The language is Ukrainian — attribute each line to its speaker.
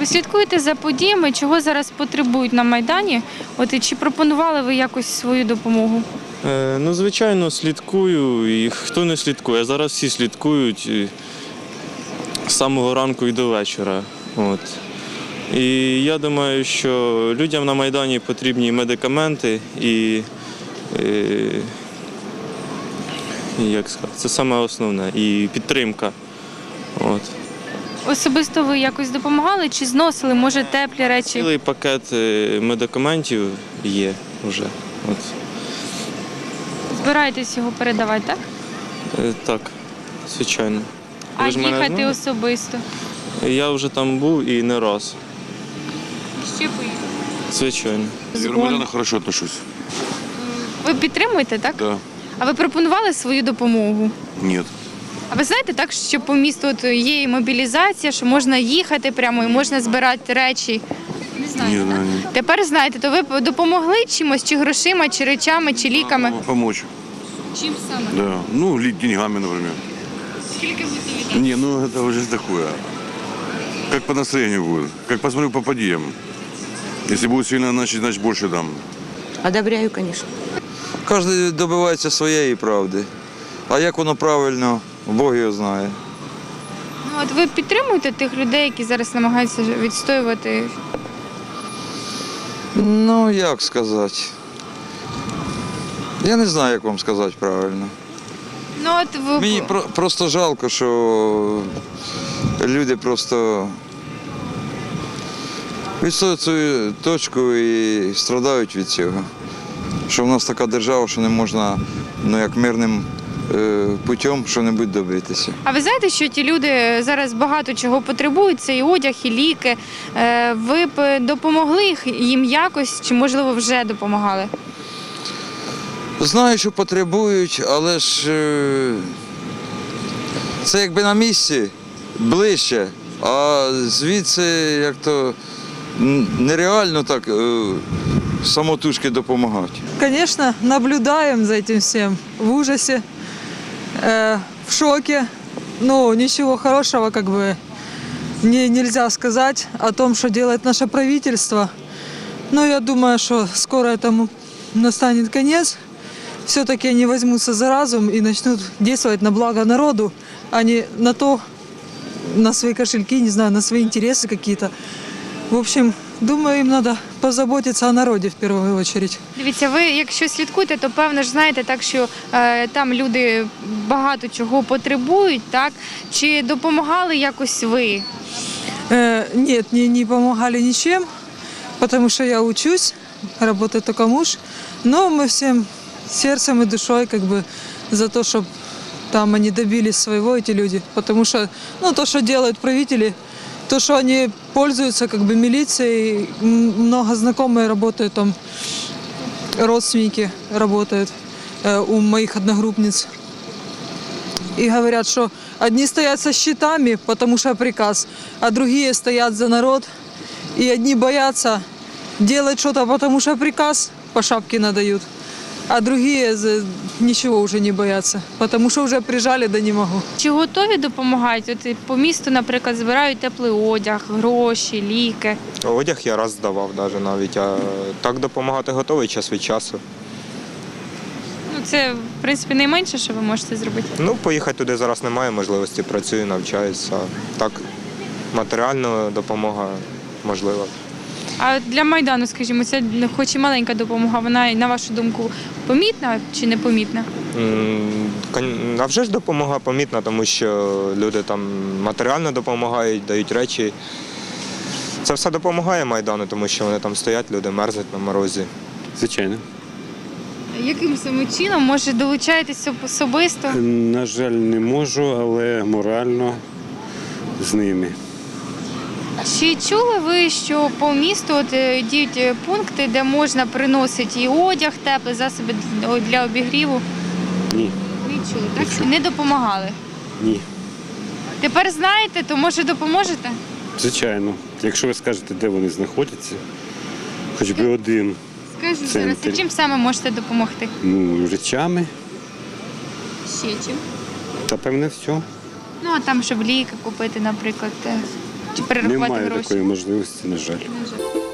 Speaker 1: Ви слідкуєте за подіями, чого зараз потребують на Майдані? От і чи пропонували ви якось свою допомогу?
Speaker 2: Ну, звичайно, слідкую. І хто не слідкує? Зараз всі слідкують з самого ранку і до вечора. От. І я думаю, що людям на Майдані потрібні медикаменти і як сказати, це саме основне, і підтримка. От.
Speaker 1: Особисто ви якось допомагали чи зносили, може, теплі речі?
Speaker 2: Цілий пакет медикаментів є вже. От.
Speaker 1: Збираєтесь його передавати, так?
Speaker 2: Так, звичайно.
Speaker 1: А
Speaker 2: Ви ж мене
Speaker 1: їхати
Speaker 2: знаєте?
Speaker 1: особисто?
Speaker 2: Я вже там був і не раз.
Speaker 1: Ще поїхати?
Speaker 2: Звичайно.
Speaker 3: Я к Майдану хорошо отношусь.
Speaker 1: Ви підтримуєте, так?
Speaker 3: Да.
Speaker 1: А ви пропонували свою допомогу?
Speaker 3: Нет.
Speaker 1: А ви знаєте, так, що по місту от є і мобілізація, що можна їхати прямо і можна збирати речі? Не знаю.
Speaker 3: Не знаю. Нет.
Speaker 1: Тепер знаєте, то ви б допомогли чимось, чи грошима, чи речами, чи ліками?
Speaker 3: Могу помочь.
Speaker 1: Чим саме?
Speaker 3: Да. Ну, деньгами, например.
Speaker 1: Скільки будете віддати?
Speaker 3: Не, ну это уже такое. Как по настроению будет. Как посмотрю по подъемам. Если будет сильно, значит больше дам.
Speaker 4: Одобряю, конечно.
Speaker 5: Кожен добивається своєї правди. А як воно правильно, Бог його знає.
Speaker 1: Ну, от ви підтримуєте тих людей, які зараз намагаються відстоювати?
Speaker 5: Ну, як сказати. Я не знаю, як вам сказати правильно.
Speaker 1: Ну, от ви...
Speaker 5: Мені просто жалко, що люди просто відстоюють свою точку і страдають від цього. Що в нас така держава, що не можна як мирним путем що-небудь добитися.
Speaker 1: А ви знаєте, що ті люди зараз багато чого потребують, це і одяг, і ліки. Ви б допомогли їм якось, чи, можливо, вже допомагали?
Speaker 5: Знаю, що потребують, але ж це якби на місці, ближче, а звідси як то нереально так самотужки допомагати.
Speaker 6: Конечно, наблюдаем за этим всем в ужасе, в шоке. Ну, ничего хорошего как бы нельзя сказать о том, что делает наше правительство. Но я думаю, что скоро этому настанет конец. Все-таки они возьмутся за разум и начнут действовать на благо народу, а не на то, на свои кошельки, не знаю, на свои интересы какие-то. В общем, думаю, им надо позаботиться о народе в первую очередь.
Speaker 1: Дивіться, ви якщо слідкуєте, то певно ж знаєте так, що там люди багато чого потребують, так? Чи допомагали якось ви?
Speaker 6: Нет, не помогали ничем, потому что я учусь, работает только муж. Но мы всем сердцем и душой как бы за то, чтобы там они добились своего, эти люди. Потому что то, что делают правители, то, что они пользуются как бы милицией, много знакомые работают там, родственники работают у моих одногруппниц. И говорят, что одни стоят со щитами, потому что приказ, а другие стоят за народ. И одни боятся делать что-то, потому что приказ по шапке надают. А другие ничего уже не боятся, потому что уже прижали, да не могу.
Speaker 1: Чи готові допомагати? От по місту, наприклад, збирають теплий одяг, гроші, ліки.
Speaker 7: Одяг я раз здавав навіть, а так допомагати готовий час від часу.
Speaker 1: Ну, це, в принципі, найменше, що ви можете зробити.
Speaker 7: Ну, поїхати туди зараз немає можливості, працюю, навчаюся. Так, матеріальна допомога можлива.
Speaker 1: А для Майдану, скажімо, це хоч і маленька допомога, вона, на вашу думку, помітна чи непомітна?
Speaker 7: А вже ж допомога помітна, тому що люди там матеріально допомагають, дають речі. Це все допомагає Майдану, тому що вони там стоять, люди мерзнуть на морозі.
Speaker 8: Звичайно.
Speaker 1: Яким саме чином, може, долучаєтесь особисто?
Speaker 8: На жаль, не можу, але морально з ними.
Speaker 1: Чи чули ви, що по місту діють пункти, де можна приносити і одяг, теплі засоби для обігріву?
Speaker 8: Ні.
Speaker 1: Не чули, так?
Speaker 8: Не чув.
Speaker 1: Не допомагали?
Speaker 8: Ні.
Speaker 1: Тепер знаєте, то може допоможете?
Speaker 8: Звичайно. Якщо ви скажете, де вони знаходяться, хоч би один.
Speaker 1: Скажу
Speaker 8: Це
Speaker 1: зараз, а чим саме можете допомогти?
Speaker 8: Ну, речами
Speaker 1: Ще чим?
Speaker 8: та певне все.
Speaker 1: Ну, а там, щоб ліки купити, наприклад. Чи перерахувати
Speaker 8: Немає
Speaker 1: гроші?
Speaker 8: такої можливості, на жаль.